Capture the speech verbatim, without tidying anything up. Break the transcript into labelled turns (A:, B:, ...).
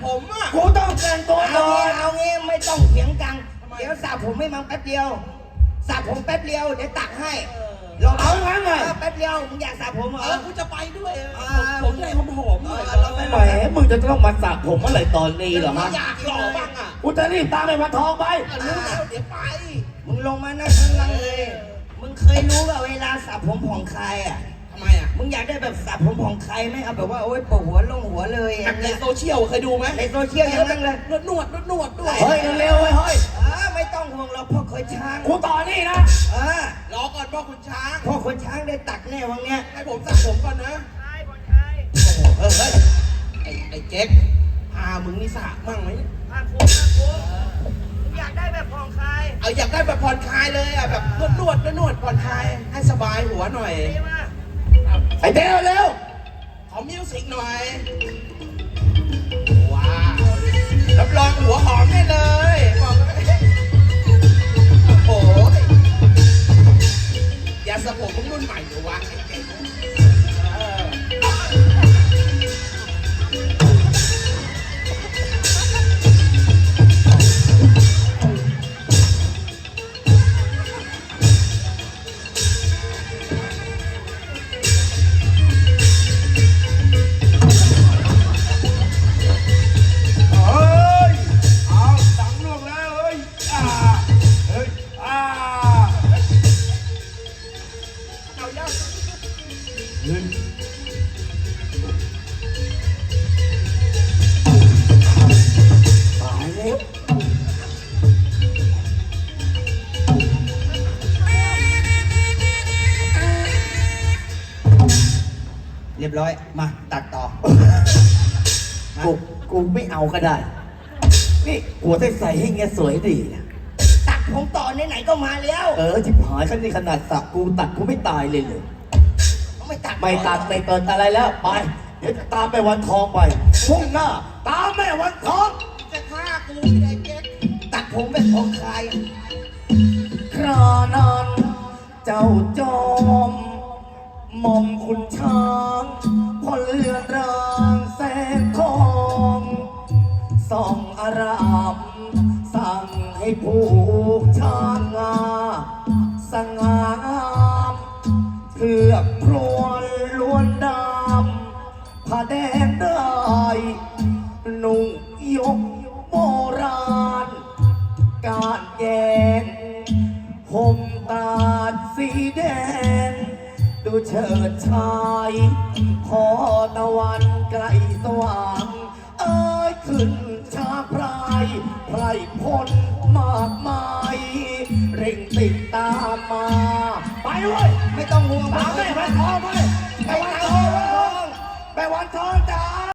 A: ผมอ่ะ
B: กูต้องแต่งตัวก่อน
C: เอางี้ไม่ต้องเถียงกันเดี๋ยวสระผมไม่มังแป๊บเดียวสระผมแป๊บเดียวเดี๋ยวตักให้ลองเอางั้นเลยแป๊บเดียวมึงอยากสระผมเหรอ
A: เออกูจะไปด้วยผมใจหอมๆหน่อย
B: แหมมึงจะต้องมาสระผมเมื่อไหร่ตอนนี้เหรอฮะ
A: อยากหล่อบ้างอ่ะ
B: กูจะรีบตามไปวันทองไป
A: รู้แล้วเดี๋ยวไป
C: มึงลงมานั่งข้างล่างเลยมึงเคยรู้ว่าเวลาสระผมผ่องคลายอ่ะ
A: ทำไมอ่ะ
C: มึงอยากได้แบบสระผมผ่องคลายไหมเอาแบบว่าโอ๊ยปวดหัวลงหัวเลย
A: แบบในโซเชียลเคยดูไหม
C: ในโซเชียลอย่างนั้นเลย
A: นวดนวดนวดนวดด้วย
B: เฮ้ยเร็วๆเว้ยเฮ้ย
C: เออไม่ต้องห่วงเราพ่อเคยช้าง
B: กูต่อนี่นะ
C: เออ
A: รอก่อนพ่อคุณช้าง
C: พ่อคนช้างได้ตักแน่วังเนี้ย
A: ให้ผมสระผมก่อนนะเออเฮ้ยไอ้ไอ้เจ๊กพามึงนี่สระมั่งไหม
C: ภาคภูมิภาคภูมิอยากได้แบบผ่อนคลาย
A: เอาอยากได้แบบผ่อนคลายเลยอ่ะแบบนวดนวดนวดนวดผ่อนคลายให้สบายหัวหน่อย
C: ดีมาก
B: ไอ้เต้เร็ว
A: ขอมิวสิกหน่อย ว้าวรับรองหัวหอมได้เลยบอกเลยโอ้โหยาสระผมมึงรุ่นใหม่เหรอวะไอ้เก่งเออ
B: เฮ้ยเอาตังค์ล่วงแล้วเฮ้ยอ่าเฮ้ยอ่า
A: เอาย่า
B: เฮ้ยตายแล้ว
C: เรียบร้อยมาตัดต่อ
B: กูกูไม่เอาก็ได้ นี่หัวใส่ใส่ให้เงี้ยสวยดีนะ
C: ตัดผมต่อไหนๆก็มาแล้ว
B: เออจิบหายขั้นนี้ขนาดสักกูตัดกูไม่ตายเลยเลย
C: ไม่ตัด
B: ไม่ตัดไม่เกินอะไรแล้วไป เดี๋ยวจะตามไปวันทองไปพุ่งหน้า ตามแม่วันทอง
A: จะฆ่ากูไอ้เจ๊ก
C: ตัดผมแบบผ่อนคลาย
B: ครานั้นเจ้าจอมหม่อมคุณช้างพอเลือนรางแสงทองส่องอารามสั่งให้ผูกช้างงาสง่างามเถือกพรวนล้วนดำผ้าแดงได้นุ่งยกโบราณ การแยงห่มตาดสีแดง ดูเฉิดชายพอตะวันใกล้สว่าง เอ้ยขึ้นชาพรายไพรพลมากมาย เร่งติดตามมา ไปเว้ย
C: ไม่ต้องห่วง
B: ตามแม่วันทองไปไปวันทองไปวันทอง